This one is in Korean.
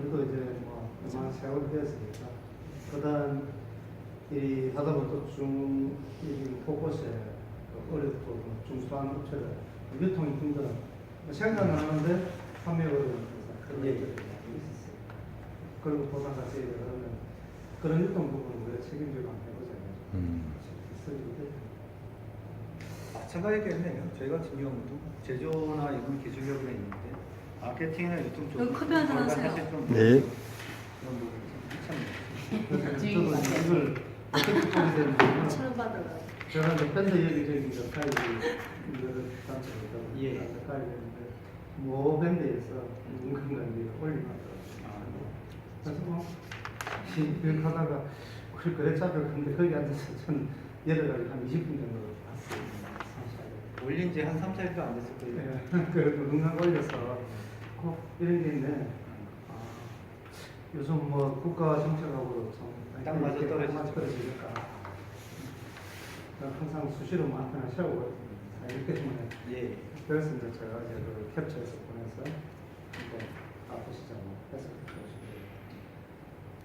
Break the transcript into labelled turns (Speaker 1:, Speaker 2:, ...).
Speaker 1: 저도 이제 뭐 얼마나 세월이 되었으니까 그다음 이 하다 보면 또이 곳곳에 어렵고 중소한 업체들 유통이 힘들어 생산을 하는데 판매가 어려운 그런 얘기들이 많이 있었어요. 그리고 보상가치 그러면 그런 유통 부분을 우리가 책임지고 한번 해보자.
Speaker 2: 마찬가지겠네요. 저희 같은 경우도 제조나 이런 기술력은 있는데 마케팅이나 유통 쪽
Speaker 3: 여기 커피 한잔 하세요.
Speaker 2: 사실 좀
Speaker 4: 네.
Speaker 2: 그런 부분이 참
Speaker 1: 저도 이걸 어떻게 보게 되는지
Speaker 3: 천원 받으러.
Speaker 1: 제가 이제 밴드 여기저기 가까이 이거를 단체에서
Speaker 2: 예.
Speaker 1: 가까이 되는데 모 밴드에서 누군가 이제 올리더라고요. 그래서 뭐 이렇게 하다가 우리 거래처를 갔는데 거기 앉아서 전 여러 가지 한 20분 정도 봤어요.
Speaker 2: 올린 지 한 3, 4일도 안 됐을 거예요.
Speaker 1: 네. 그래도 누군가 올려서 꼭 이런 게 있네. 아, 요즘 뭐 국가 정책하고
Speaker 2: 딱 맞아 떨어지죠.
Speaker 1: 맞아 떨어지니까 항상 수시로 안테나 세우고 이렇게 때문에
Speaker 2: 예.
Speaker 1: 그래서 이제 제가 이제 그 캡처해서 보내서 이제 아프시자고 해서